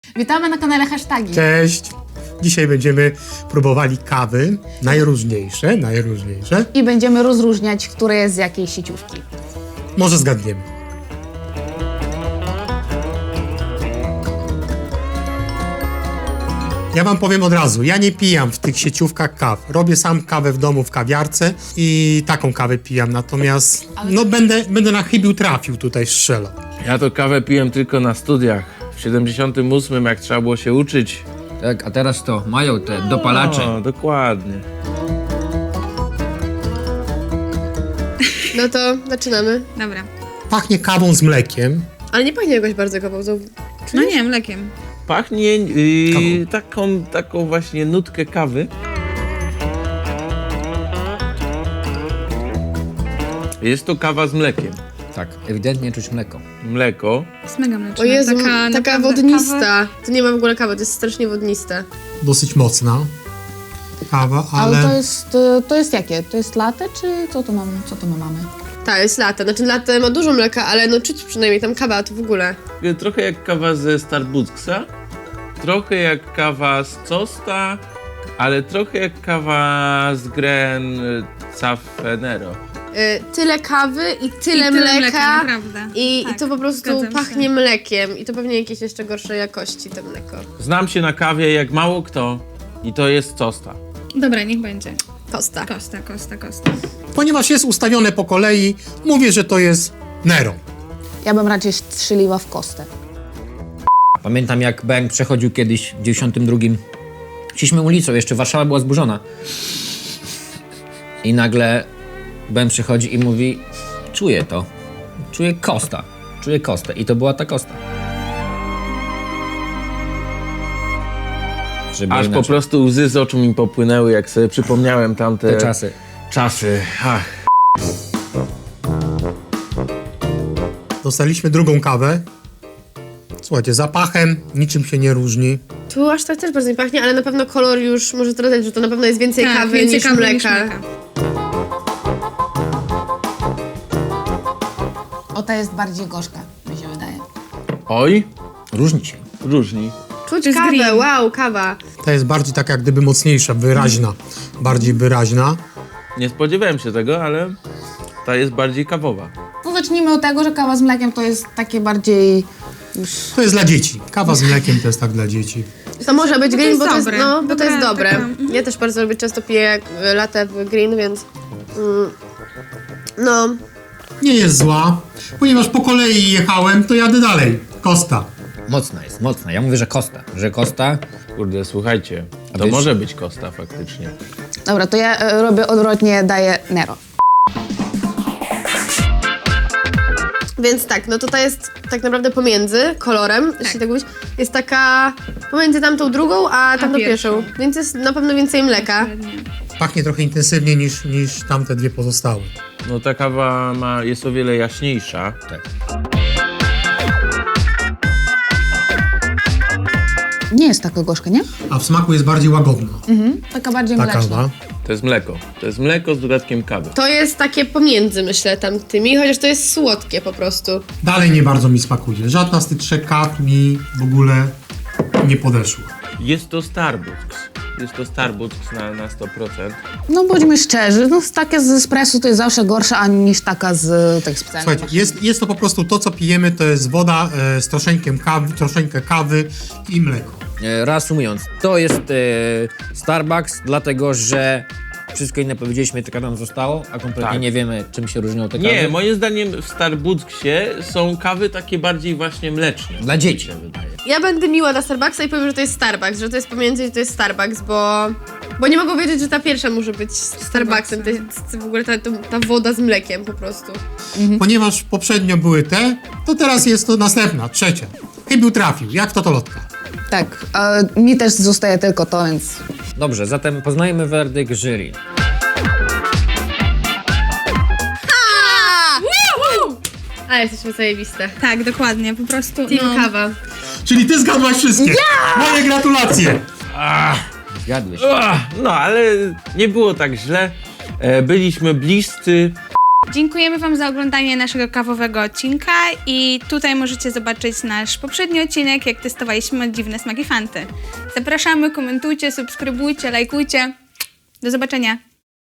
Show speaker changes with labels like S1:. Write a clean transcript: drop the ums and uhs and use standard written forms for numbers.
S1: Witamy na kanale Hashtagi.
S2: Cześć! Dzisiaj będziemy próbowali kawy, najróżniejsze.
S1: I będziemy rozróżniać, które jest z jakiej sieciówki.
S2: Może zgadniemy. Ja wam powiem od razu, ja nie pijam w tych sieciówkach kaw. Robię sam kawę w domu w kawiarce i taką kawę pijam, natomiast no będę na chybił trafił tutaj strzelał.
S3: Ja to kawę piłem tylko na studiach. W 78, jak trzeba było się uczyć.
S4: Tak, a teraz to mają te dopalacze.
S3: O, dokładnie.
S5: No to zaczynamy.
S6: Dobra.
S2: Pachnie kawą z mlekiem.
S5: Ale nie pachnie jakoś bardzo kawą.
S6: No nie, mlekiem.
S3: Pachnie taką właśnie nutkę kawy. Jest to kawa z mlekiem.
S4: Tak, ewidentnie czuć mleko.
S3: Mleko.
S6: Jest mega mleczna.
S5: O Jezu, taka
S6: naprawdę
S5: wodnista. To nie ma w ogóle kawy, to jest strasznie wodniste.
S2: Dosyć mocna kawa,
S1: Ale
S2: ale
S1: to jest jakie? To jest latte, czy co to my mamy?
S5: Tak, jest latte. Znaczy latte ma dużo mleka, ale no czuć przynajmniej tam kawa, to w ogóle.
S3: Trochę jak kawa ze Starbucksa. Trochę jak kawa z Costa. Ale trochę jak kawa z Gren Safenero.
S5: Tyle kawy i tyle
S6: mleka,
S5: mleka.
S6: naprawdę.
S5: I
S6: Tak,
S5: to po prostu
S6: zgadzam się.
S5: pachnie mlekiem. I to pewnie jakieś jeszcze gorszej jakości to mleko.
S3: Znam się na kawie jak mało kto. I to jest Costa.
S6: Dobra, niech będzie.
S5: Kosta.
S6: Kosta.
S2: ponieważ jest ustawione po kolei, mówię, że to jest Nero.
S1: Ja bym raczej strzeliła w kostę.
S4: Pamiętam, jak Bęk przechodził kiedyś w 92. Szliśmy ulicą, jeszcze Warszawa była zburzona. I nagle Bęk przychodzi i mówi: czuję to. Czuję Kosta. Czuję Kostę. I to była ta Kosta. Żeby
S3: Aż po
S4: inaczej.
S3: prostu łzy z oczu mi popłynęły, jak sobie przypomniałem tamte
S4: Te czasy.
S3: czasy. Ach.
S2: Dostaliśmy drugą kawę. Słuchajcie, zapachem niczym się nie różni.
S5: Tu aż tak też bardzo nie pachnie, ale na pewno kolor już może zdradzać, że to na pewno jest więcej
S6: Tak,
S5: kawy
S6: więcej
S5: niż
S6: kawy
S5: mleka.
S1: O, ta jest bardziej gorzka, mi się wydaje.
S3: Oj,
S4: Różni się.
S3: różni.
S5: Czuć
S6: To jest
S5: kawę,
S6: green.
S5: wow, kawa.
S2: Ta jest bardziej taka jak gdyby mocniejsza, wyraźna. Bardziej wyraźna.
S3: Nie spodziewałem się tego, ale ta jest bardziej kawowa.
S1: No zacznijmy od tego, że kawa z mlekiem to jest takie bardziej już...
S2: To jest dla dzieci. Kawa z mlekiem to jest tak dla dzieci.
S5: To może być green,
S6: jest
S5: bo to jest,
S6: dobre.
S5: no, bo to jest
S6: Dobra,
S5: dobre.
S6: taka,
S5: Ja też bardzo lubię, często piję latte w green, więc... no,
S2: Nie jest zła, ponieważ po kolei jechałem, to jadę dalej. Kosta.
S4: Mocna jest, mocna. Ja mówię, że Kosta. Że Kosta.
S3: Kurde, słuchajcie, to
S4: wiesz-
S3: może być Costa faktycznie.
S1: Dobra, to ja robię odwrotnie, daję Nero.
S5: więc tak, no to ta jest tak naprawdę pomiędzy kolorem, jeśli tak mówić. Jest taka pomiędzy tamtą drugą, a tamtą pierwszą.
S6: pierwszą.
S5: Więc jest na pewno więcej mleka.
S2: Pachnie trochę intensywniej niż tamte dwie pozostałe.
S3: No ta kawa jest o wiele jaśniejsza.
S4: Tak.
S1: Nie jest taka gorzka, nie?
S2: A w smaku jest bardziej łagodna
S1: Taka bardziej
S2: ta
S1: mleczna.
S2: kawa.
S3: To jest mleko. To jest mleko z dodatkiem kawy.
S5: To jest takie pomiędzy, myślę, tamtymi, chociaż to jest słodkie po prostu.
S2: Dalej nie bardzo mi smakuje. Żadna z tych trzech kaw mi w ogóle nie podeszła.
S3: Jest to Starbucks. Jest to Starbucks na 100%.
S1: No bądźmy szczerzy, no takie z espresso to jest zawsze gorsza niż taka z tak specjalnie.
S2: Słuchajcie, jest to po prostu to, co pijemy, to jest woda z troszeczkę kawy i mleko.
S4: Reasumując, to jest Starbucks, dlatego że wszystko inne powiedzieliśmy, tylko nam zostało, a kompletnie
S3: Tak.
S4: nie wiemy, czym się różnią te kawy.
S3: Nie, moim zdaniem w Starbucksie są kawy takie bardziej właśnie mleczne.
S4: Dla dzieci.
S3: Mi się wydaje.
S5: Ja będę miła dla Starbucksa i powiem, że to jest Starbucks, że to jest pomiędzy i to jest Starbucks, bo nie mogę wiedzieć, że ta pierwsza może być Starbucksem. To jest w ogóle ta woda z mlekiem po prostu.
S2: Ponieważ poprzednio były te, to teraz jest to następna, trzecia. Chybił trafił. Jak to lotka?
S1: Tak, a mi też zostaje tylko to, więc...
S4: Dobrze, zatem poznajmy werdykt jury.
S5: A, jesteśmy zajebiste.
S6: Tak, dokładnie, po prostu.
S5: Team kawa.
S2: Czyli ty zgadłaś wszystkie. Moje gratulacje.
S4: Zgadłeś.
S3: No, ale nie było tak źle. Byliśmy bliscy.
S6: Dziękujemy Wam za oglądanie naszego kawowego odcinka i tutaj możecie zobaczyć nasz poprzedni odcinek, jak testowaliśmy dziwne smaki Fanty. Zapraszamy, komentujcie, subskrybujcie, lajkujcie. Do zobaczenia.